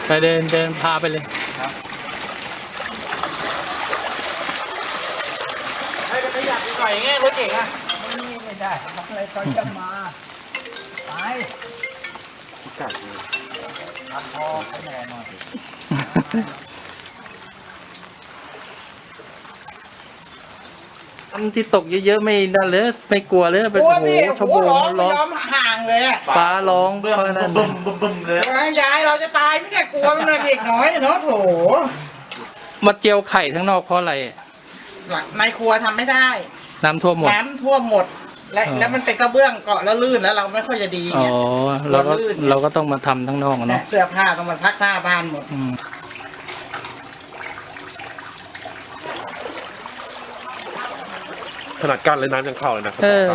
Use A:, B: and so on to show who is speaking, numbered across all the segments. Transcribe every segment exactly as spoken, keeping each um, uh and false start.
A: ไปเดินเดินพาไปเลย
B: ครับให้ไปขยับหน่อยไงรถเก่งอ่ะไม่ไม่ได้อะไรตอนจะมาไปจัดเลยอัดคอให้แน่นอน
A: ที่ตกเยอะๆไม่นั่นเลยไม่กลัวเลยเป็นโอ้โหชมพูร้องร้อง
C: ห่างเลยอ่ะ
A: ฟ้าร้องเพราะนั้นบึ้ม
B: บึ้มบึ้มเลย
C: ยายเราจะตายไม่ได้กลัวมันเด็กน้อยเนาะโถ
A: มาเจียวไข่ทั้งนอกเพราะอะไร
C: ในครัวทำไม่ได้
A: น้ำท่วมหมด
C: น้ำท่วมหมดและแล้วมันเป็นกระเบื้องเกาะแล้วลื่นแล้วเราไม่ค่อยจะดี
A: อ๋อเราก็เราก็ต้องมาทำทั้งนอกเนาะ
C: เสื้อผ้าต้องมาซักผ้าบ้านหมด
D: ขนาดกั้นเลยน้ำยังเข้าเลยนะ
A: เออ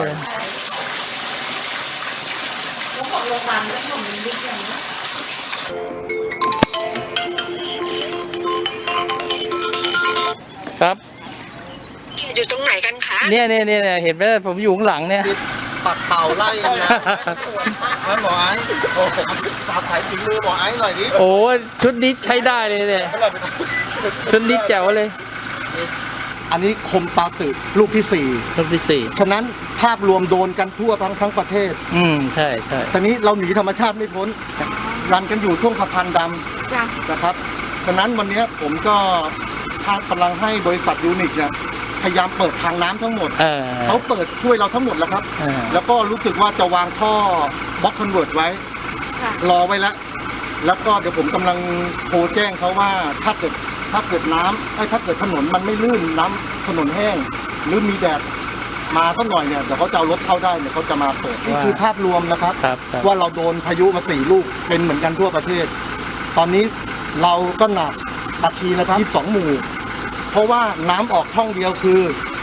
A: ครับ
E: อยู่ตรงไหนกันคะ
A: เนี่ยเนี่ยเนี่ยเห็นไหมผมอยู่ข้างหลังเนี่ย
B: ปัดเป่าไล่นะนั่นหมอไอ้โอ้สาบถ่ายฝีมือหมอไอ้หน่อยดิ
A: โอ้ชุดนี้ใช้ได้เลยเนี่ยชุดนี้แจ๋วเลย
B: อันนี้คมปาตึลูกที่สี่
A: ลูกที่สี่
B: ฉะนั้นภาพรวมโดนกันทั่วทั้งทั้งประเทศ
A: อืมใช่ใช่
B: ตอนนี้เราหนีธรรมชาติไม่พ้นรันกันอยู่ช่วงสะพานดำนะครับฉะนั้นวันนี้ผมก็กำลังให้บริษัทยูนิคเนี่ยพยายามเปิดทางน้ำทั้งหมดเขาเปิดช่วยเราทั้งหมดแล้วครับแล้วก็รู้สึกว่าจะวางท่อบล็อกคอนเวิร์ตไว้รอไว้แล้วแล้วก็เดี๋ยวผมกำลังโทรแจ้งเขาว่าถ้าเกิดถ้าเกิดน้ำถ้าเกิดถนนมันไม่ลื่นน้ำถนนแห้งหรือมีแดดมาสักหน่อยเนี่ยเดี๋ยวเขาจะเอารถเข้าได้เนี่ยเขาจะมาเปิดนี่คือภาพรวมนะครับว่าเราโดนพายุมาสี่ลูกเป็นเหมือนกันทั่วประเทศตอนนี้เราก็หนักตะคีนะครับยี่สิบสองหมู่เพราะว่าน้ำออกช่องเดียวคือ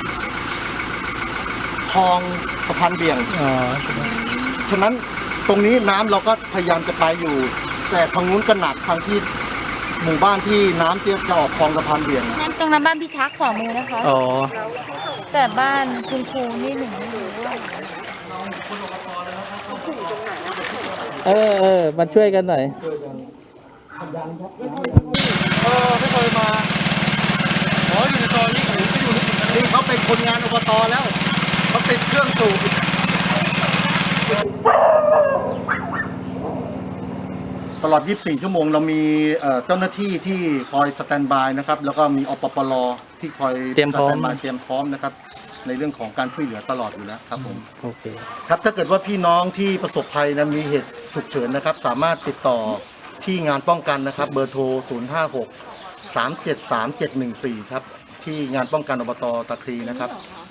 B: คลองสะพานเบี่ยงฉะนั้นตรงนี้น้ำเราก็พยายามจะไปอยู่แต่ทางนู้นก็หนักทางที่หมู่บ้านที่น้ำเตี้ยจะออกคลองสะพานเบี่ยง
F: นั่นตรงนั้นบ้านพี่ทักขวามือนะคะ
A: อ๋อ
F: แต่บ้านคุณครูนี่หนึ่งไม่รู้ว่า
A: เออเออมาช่วยกันหน่อย
B: เออไม่เคยมาขออยู่ในซอยนี้ผมก็อยู่นี่เขาเป็นคนงานอบตแล้วเขาติดเครื่องสูบตลอดยี่สิบสี่ชั่วโมงเรามีเจ้าหน้าที่ที่คอยสแตนบายนะครับแล้วก็มีอปปลที่คอย
A: เตรียมพร้อม
B: มาเตรียมพร้อมนะครับในเรื่องของการช่วยเหลือตลอดอยู่แล้วครับผม
A: โอเค
B: ครับถ้าเกิดว่าพี่น้องที่ประสบภัยนะมีเหตุฉุกเฉินนะครับสามารถติดต่อที่งานป้องกันนะครับเบอร์โทรศูนย์ ห้า หก สาม เจ็ด สาม เจ็ด หนึ่ง สี่ครับที่งานป้องกันอบต.ตะครีนะครับ